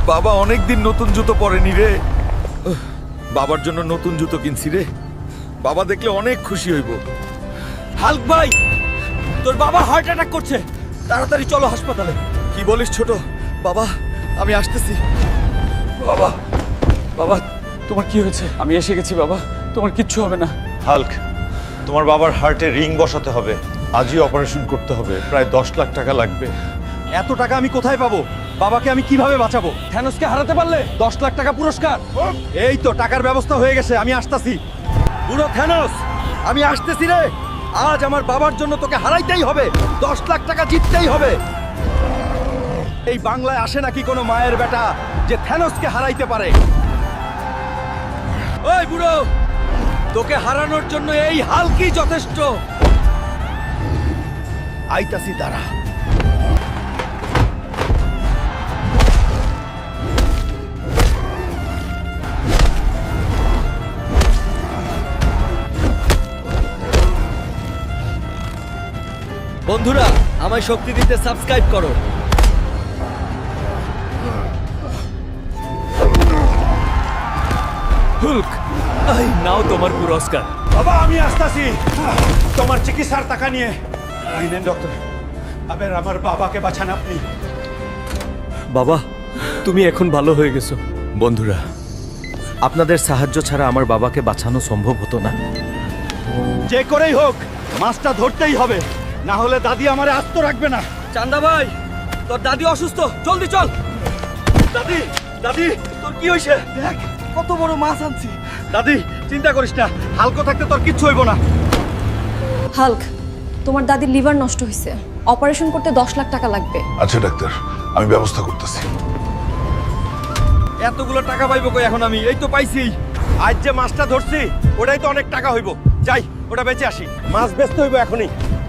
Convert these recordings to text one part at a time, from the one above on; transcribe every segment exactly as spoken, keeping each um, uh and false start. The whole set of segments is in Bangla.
বাবা অনেকদিন নতুন জুতো পরেনি রে। বাবার জন্য নতুন জুতো কিনছি রে। বাবা দেখলে অনেক খুশি হইব। হাল্ক ভাই, তোর বাবা হার্ট অ্যাটাক করছে, তাড়াতাড়ি চলো হাসপাতালে। কি বলিস ছোট? বাবা আমি আসতেছি। বাবা, বাবা তোমার কি হয়েছে? আমি এসে গেছি বাবা, তোমার কিচ্ছু হবে না। হাল্ক, তোমার বাবার হার্টে রিং বসাতে হবে, আজই অপারেশন করতে হবে, প্রায় দশ লাখ টাকা লাগবে। এত টাকা আমি কোথায় পাবো? বাবাকে আমি কিভাবে বাঁচাবো? থ্যানোসকে হারাতে পারলে দশ লাখ টাকা পুরস্কার। এই তো টাকার ব্যবস্থা হয়ে গেছে, আমি আসতাছি। বুড়ো থ্যানোস, আমি আসতেছি রে। আজ আমার বাবার জন্য তোকে হারাইতেই হবে, দশ লাখ টাকা জিততেই হবে। এই বাংলায় আসে নাকি কোনো মায়ের বেটা যে থ্যানোসকে হারাইতে পারে? ওই বুড়ো, তোকে হারানোর জন্য এই হাল্কই যথেষ্ট। আইতাছি দাঁড়া। বন্ধুরা, আমায় শক্তি দিতে সাবস্ক্রাইব করো। হুল্ক, এই নাও তোমার পুরস্কার। বাবা আমি আসতাছি তোমার চিকিৎসার টাকা নিয়ে। এই নেন ডক্টর, আবার আমার বাবাকে বাঁচান আপনি। বাবা, তুমি এখন ভালো হয়ে গেছো। বন্ধুরা, আপনাদের সাহায্য ছাড়া আমার বাবাকে বাঁচানো সম্ভব হতো না। যে করেই হোক মাছটা ধরতেই হবে, না হলে দাদি আমারে আস্ত রাখবে না। চান্দা ভাই, তোর দাদি অসুস্থ, জলদি চল। দাদি, দাদি তোর কি হয়েছে? দেখ কত বড় মাছ আনছি। দাদি চিন্তা করিস না, হালকা থাকতে তোর কিচ্ছু হইব না। হাল্ক, তোমার দাদির লিভার নষ্ট হয়েছে, অপারেশন করতে দশ লাখ টাকা লাগবে। আচ্ছা ডাক্তার, আমি ব্যবস্থা করতেছি। এতগুলো টাকা পাইবো কই এখন আমি? এই তো পাইছি। আজ যে মাছটা ধরছি ওটাই তো অনেক টাকা হইব। যাই ওটা বেচে আসি, মাছ বেচতে হইব এখনই।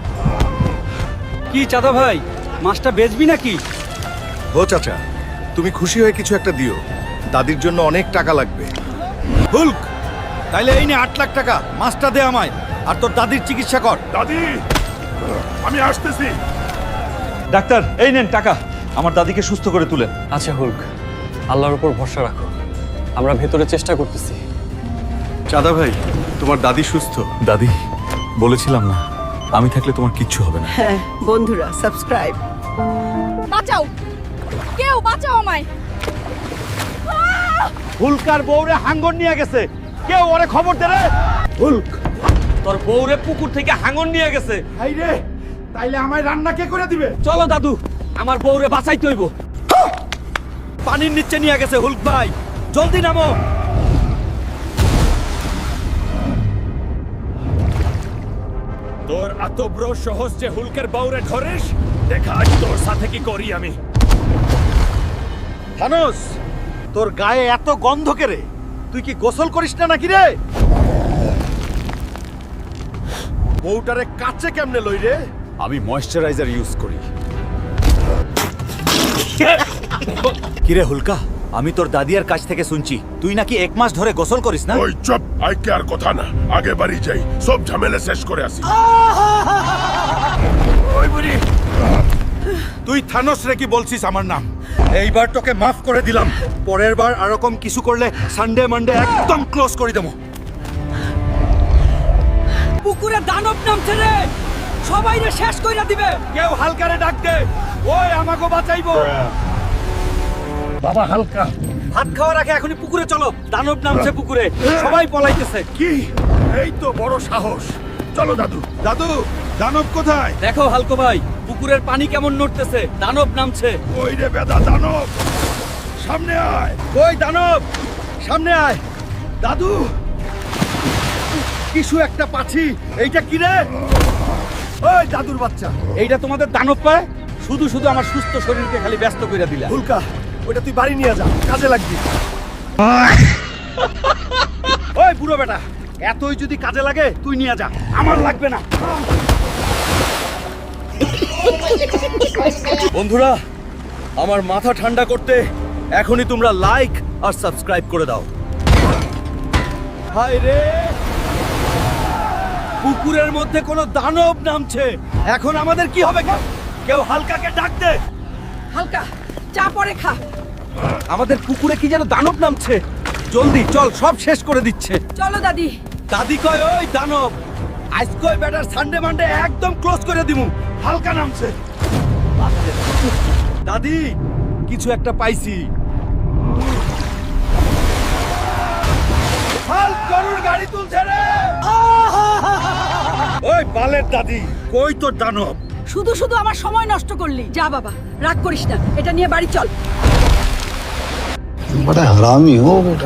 কি চাঁদা ভাই, মাছটা বেচবি নাকি? ও চাচা, তুমি খুশি হয়ে কিছু একটা দিও, দাদির জন্য অনেক টাকা লাগবে। হুল্ক, তাইলে এই নে আট লাখ টাকা, মাছটা দে আমায়, আর তোর দাদির চিকিৎসা কর। দাদি, আমি আসতেছি। ডাক্তার এই নেন টাকা, আমার দাদিকে সুস্থ করে তুলেন। আচ্ছা হুল্ক, আল্লাহর উপর ভরসা রাখো, আমরা ভেতরে চেষ্টা করতেছি। চাঁদা ভাই, তোমার দাদি সুস্থ। দাদি, বলেছিলাম না আমি থাকলে তোমার কিচ্ছু হবে না। হ্যাঁ বন্ধুরা, সাবস্ক্রাইব। বাঁচাও, কেউ বাঁচাও আমায়। হুলকার বউরে হাঙ্গর নিয়ে গেছে, কেউ ওরে খবর দে রে। হুল্ক, তোর বউরে পুকুর থেকে হাঙ্গর নিয়ে গেছে। হাই রে, তাইলে আমায় রান্না কে করে দিবে? চলো দাদু, আমার বউরে বাঁচাইতে হইব। পানির নিচে নিয়ে গেছে হুল্ক ভাই, জলদি নামো। তোর এত বড় সাহস যে হুলকের বউরে ধরিস? দেখা আজ তোর সাথে কি করি আমি। থানোস, তোর গায়ে এত গন্ধ কেরে? তুই কি গোসল করিস না নাকি রে? বউটারে কাছে কেমনে লই রে? আমি ময়েশ্চারাইজার ইউজ করি। কিরে হুলকা, আমি তোর দাদিয়ার কাছ থেকে শুনছি তুই নাকি এক মাস ধরে গোসল করিস না। ওই চুপ, আই কে আর কথা না, আগে বাড়ি যাই, সব ঝামেলা শেষ করে আসি। ওই বুড়ি, তুই থানোস রে কি বলছিস আমার নাম? এইবার তোকে মাফ করে দিলাম, পরের বার এরকম কিছু করলে সানডে মানডে একদম ক্লোজ করে দেবো। পুকুরে দানব নামছে রে, সবাই রে শেষ কইরা দিবে। কেউ হালকারে ডাক দে, ওই আমাকে বাঁচাইবো। বাবা হালকা, ভাত খাওয়ার আগে এখনই পুকুরে চলো, দানব নামছে পুকুরে, সবাই পলাইতেছে। কি, এই তো বড় সাহস। চলো দাদু। দাদু, দানব কোথায়? দেখো হালকো ভাই, পুকুরের পানি কেমন নড়তেছে, দানব নামছে। ওই রে বেদা দানব, সামনে আয়। ওই দানব, সামনে আয়। দাদু, কিছু একটা পাচ্ছি, এইটা কি রে? ওই দাদুর বাচ্চা, এইটা তোমাদের দানব পায়? শুধু শুধু আমার সুস্থ শরীরকে খালি ব্যস্ত করে দিলা। হুলকা, ওইটা তুই বাড়ি নিয়ে যা, কাজে লাগবি। ওই বুড়ো বেটা, এতই যদি কাজে লাগে তুই নিয়ে যা, আমার লাগবে না। বন্ধুরা, আমার মাথা ঠান্ডা করতে এখনই তোমরা লাইক আর সাবস্ক্রাইব করে দাও। হায় রে, পুকুরের মধ্যে কোনো দানব নামছে, এখন আমাদের কি হবে? কেউ হালকাকে ডাক দে। হালকা, চা পরে খা। আমাদের পুকুরে কি যেন দানব নামছে জলদি চল সব শেষ করে দিচ্ছে চলো দাদি। দাদি কয় ওই দানব আজ কয় ব্যাটার সানডে মানডে একদম ক্লোজ করে দিমু হালকা নামছে। দাদি কিছু একটা পাইছি হাল্ক গরুর গাড়ি তুলছে রে। ওই বালের দাদি কই তোর দানব শুধু শুধু আমার সময় নষ্ট করলি। যা বাবা, রাগ করিস না, এটা নিয়ে বাড়ি চল। बड़ा हरामी हो बेटा।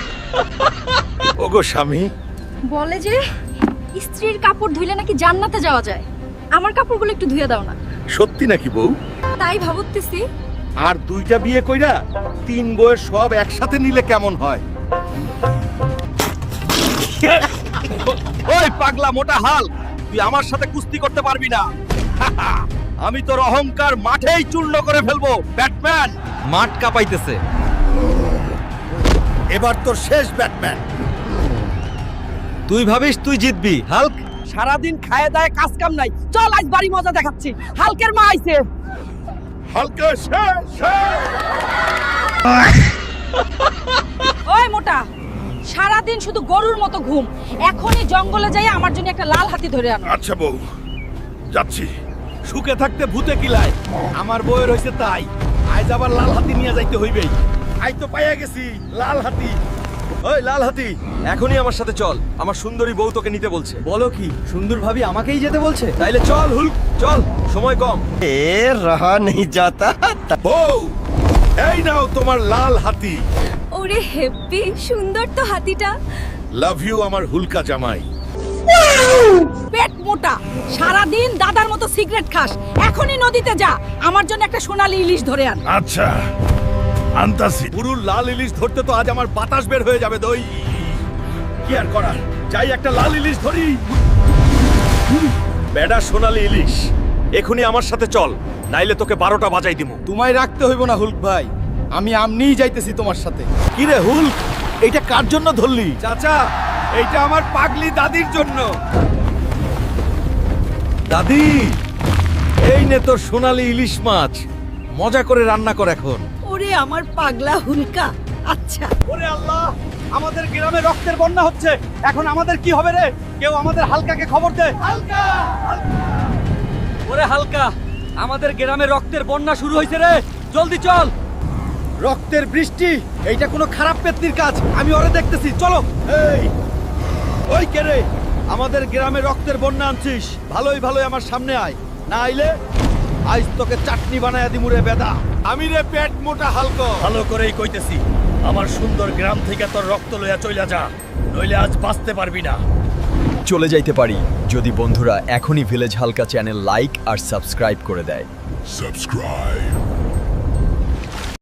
ওগো স্বামী, বলে যে স্ত্রীর কাপড় ধুইলে নাকি জান্নাতে যাওয়া যায়। আমার কাপড়গুলো একটু ধুয়ে দাও না। সত্যি নাকি বউ? তাই ভাবতেছি আর দুইটা বিয়ে কইরা তিন বউয়ের সব একসাথে নিলে কেমন হয় ওই পাগলা মোটা হাল তুই আমার সাথে কুস্তি করতে পারবি না আমি তোর অহংকার মাঠেই চূর্ণ করে ফেলবো ব্যাটম্যান মাঠ কাঁপাইতেছে এবার তোর শেষ ব্যাটম্যান তুই ভাবিস তুই জিতবি হাল্ক সারাদিন খায় দায় কাজ কাম নাই, চল আজ বাড়ি মজা দেখাচ্ছি। হালকের মা আইছে। হালকা শেষ শেষ। ওই মোটা, সারাদিন শুধু গরুর মতো ঘুম। এখনই জঙ্গলে যাই আমার জন্য একটা লাল হাতি ধরে আন। আচ্ছা বউ, যাচ্ছি। সুখে থাকতে ভূতে কিলায় আমার বউয়ের হইছে তাই আজ আবার লাল হাতি নিয়ে যাইতে হইবেই আই তো পাইয়া গেছি লাল হাতি ওই লাল হাতি এখনই আমার সাথে চল আমার সুন্দরী বউ তোকে নিতে বলছে বলো কি সুন্দর ভাবি আমাকেই যেতে বলছে তাইলে চল হুল চল সময় কম ए रहा नहीं जाता। বউ, এই নাও তোমার লাল হাতি। ওরে হেব্বি সুন্দর তো হাতিটা। লাভ ইউ আমার হুলকা জামাই। পেট মোটা, সারাদিন দাদার মতো সিগারেট খাস। এখনই নদীতে যা, আমার জন্য একটা সোনালী ইলিশ ধরে আন। আচ্ছা, আনতাছি। পুরুর লাল ইলিশ ধরতে তো আজ আমার বাতাস বের হয়ে যাবে দই কি আর করার যাই একটা লাল ইলিশ ধরি বেডা সোনালী ইলিশ এখনই আমার সাথে চল নাইলে তোকে বারোটা বাজাই দিমু তোমায় রাখতে হইব না হুলক ভাই আমি আমনিই যাইতেছি তোমার সাথে কি রে হুলক এইটা কার জন্য ধরলি চাচা এইটা আমার পাগলি দাদির জন্য দাদি এই নে তোর সোনালী ইলিশ মাছ মজা করে রান্না কর এখন ওরে আমার পাগলা হুলকা। আচ্ছা, ওরে আল্লাহ আমাদের গ্রামে রক্তের বন্যা হচ্ছে এখন আমাদের কি হবে রে কেউ আমাদের হালকাকে খবর দে হালকা ওরে হালকা আমাদের গ্রামে রক্তের বন্যা শুরু হয়েছে রে জলদি চল রক্তের বৃষ্টি এইটা কোনো খারাপ পেতনির কাজ আমি ওরে দেখতেছি চলো এই ওই কে রে আমাদের গ্রামে রক্তের বন্যা আনছিস ভালোই ভালোই আমার সামনে আয় না আইলে আজ তোকে চাটনি বানায়া দিমু রে বেদা আমি রে পেট মোটা হালকা ভালো করেই কইতেছি, আমার সুন্দর গ্রাম থেকে তোর রক্ত লইয়া চইলা যা, নইলে আজ বাঁচতে পারবি না। চলে যাইতে পারি যদি বন্ধুরা এখনই ভিলেজ হালকা চ্যানেল লাইক আর সাবস্ক্রাইব করে দেয়। Subscribe.